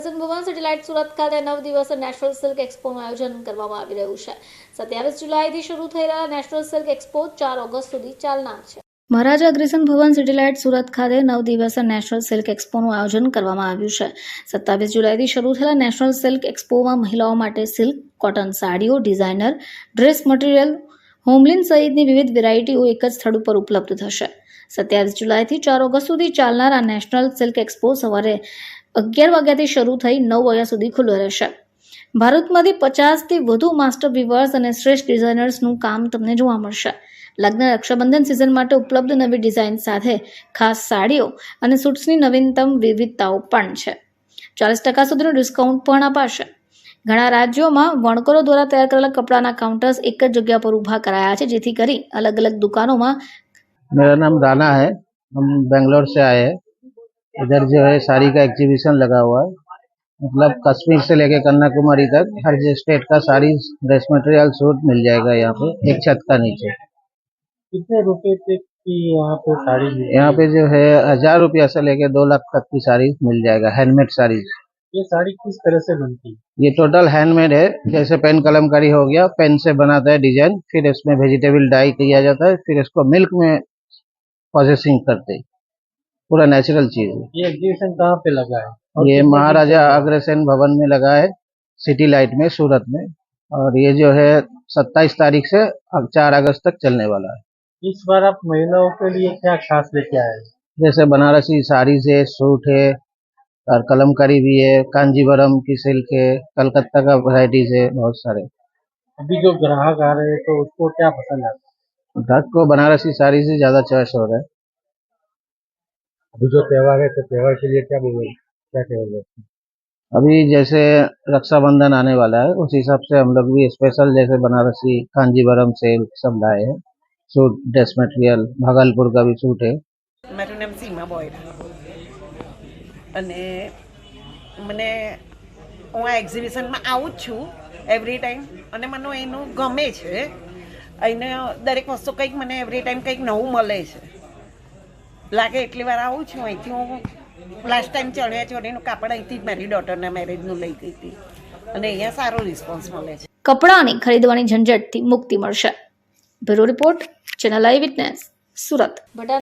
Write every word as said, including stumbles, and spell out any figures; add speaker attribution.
Speaker 1: ભુવન satellite Surat ખાતે નવ દિવસ નેશનલ સિલ્ક એક્સપોનું આયોજન કરવામાં આવી રહ્યું છે. સત્યાવીસ જુલાઈથી શરૂ થઈ રહેલા નેશનલ સિલ્ક એક્સપો ચાર ઓગસ્ટ સુધી ચાલનાર છે. મહારાજા અગ્રસેન ભુવન સેટેલાઇટ સુરત ખાતે નવ દિવસ નેશનલ સિલ્ક એક્સપોનું આયોજન કરવામાં આવ્યું છે. સત્યાવીસ જુલાઈથી શરૂ થયેલા નેશનલ સિલ્ક એક્સપોમાં મહિલાઓ માટે સિલ્ક, કોટન સાડીઓ, ડિઝાઇનર ડ્રેસ મટીરિયલ, હોમલિન સહિતની વિવિધ વેરાયટીઓ એક જ સ્થળ ઉપર ઉપલબ્ધ થશે. સત્યાવીસ જુલાઈથી ચાર ઓગસ્ટ સુધી ચાલનાર આ નેશનલ સિલ્ક એક્સપો સવારે અગિયાર વાગ્યાથી શરૂ થઈ નવ વાગ્યા સુધી ખુલ્લો રહેશે. ભારતમાંથી પચાસથી વધુ માસ્ટર વીવર્સ અને શ્રેષ્ઠ ડિઝાઇનર્સનું કામ તમને જોવા મળશે. લગ્ન રક્ષાબંધન સિઝન માટે ઉપલબ્ધ નવી ડિઝાઇન સાથે ખાસ સાડીઓ અને સૂટ્સની નવીનતમ વિવિધતાઓ પણ છે. ચાલીસ ટકા સુધીનું ડિસ્કાઉન્ટ પણ અપાશે. ઘણા રાજ્યોમાં વણકરો દ્વારા તૈયાર કરેલા કપડાના કાઉન્ટર્સ એક જ જગ્યા પર ઊભા કરાયા છે, જેથી કરી અલગ અલગ દુકાનોમાં.
Speaker 2: मेरा नाम राना है, हम बेंगलोर से आए हैं। इधर जो है साड़ी का एग्जीबिशन लगा हुआ है, मतलब कश्मीर से लेके कन्याकुमारी तक हर स्टेट का साड़ी, ड्रेस मटेरियल, सूट मिल जाएगा यहाँ पे एक छत का नीचे।
Speaker 3: कितने रुपए तक की यहाँ पे साड़ी मिलती है?
Speaker 2: यहाँ पे जो है हजार रुपया से लेके दो लाख तक की साड़ी मिल जाएगा, हैंडमेड साड़ी।
Speaker 3: ये साड़ी किस तरह से बनती है?
Speaker 2: ये टोटल हैंडमेड है, जैसे पेन कलमकारी हो गया, पेन से बनाता है डिजाइन, फिर इसमें वेजिटेबल डाई किया जाता है, फिर इसको मिल्क में प्रोसेसिंग करते, पूरा नेचुरल चीज है।
Speaker 3: ये एग्जीबिशन कहाँ पे लगा है? और
Speaker 2: ये
Speaker 3: कितने दिन
Speaker 2: महाराजा
Speaker 3: चलेगा?
Speaker 2: अग्रसेन भवन में लगा है, सिटी लाइट में, सूरत में, और ये जो है सत्ताईस तारीख से अब चार अगस्त तक चलने वाला है।
Speaker 3: इस बार आप महिलाओं के लिए क्या खास लेके आए हैं?
Speaker 2: जैसे बनारसी साड़ी है, सूट है, और कलमकारी भी है, कांजीवरम की सिल्क है, कलकत्ता का वैरायटीज है, बहुत सारे।
Speaker 3: अभी जो ग्राहक आ रहे हैं तो उसको क्या पसंद आता है?
Speaker 2: ग्राहक को बनारसी साड़ी से ज्यादा चॉइस हो रहा है।
Speaker 3: अभी जो त्योहार है तो त्योहार के लिए क्या बोलोगे, क्या कहोगे?
Speaker 2: अभी जैसे रक्षाबंधन आने वाला है, उस हिसाब से हम लोग भी स्पेशल जैसे बनारसी, कांजीवरम सिल्क सब लाए हैं। सूट, ड्रेस मटेरियल, भागलपुर का भी सूट है।
Speaker 4: મારું નામ સીમા બોયરા અને મને હું આ એક્ઝિબિશનમાં આવું જ છું એવરી ટાઈમ અને મને એનું ગમે છે. એને દરેક વસ્તુ કંઈક મને એવરી ટાઈમ કંઈક નવું મળે છે. લાગે એટલી વાર આવું છું. અહીંથી હું લાસ્ટ ટાઈમ ચણિયા ચોળીનું કાપડ અહીંથી જ મારી ડોટરના મેરેજનું લઈ ગઈ હતી અને અહીંયા સારો રિસ્પોન્સ મળે છે.
Speaker 1: કપડાની ખરીદવાની ઝંઝટથી મુક્તિ મળશે. Bureau report, channel eye witness, Surat.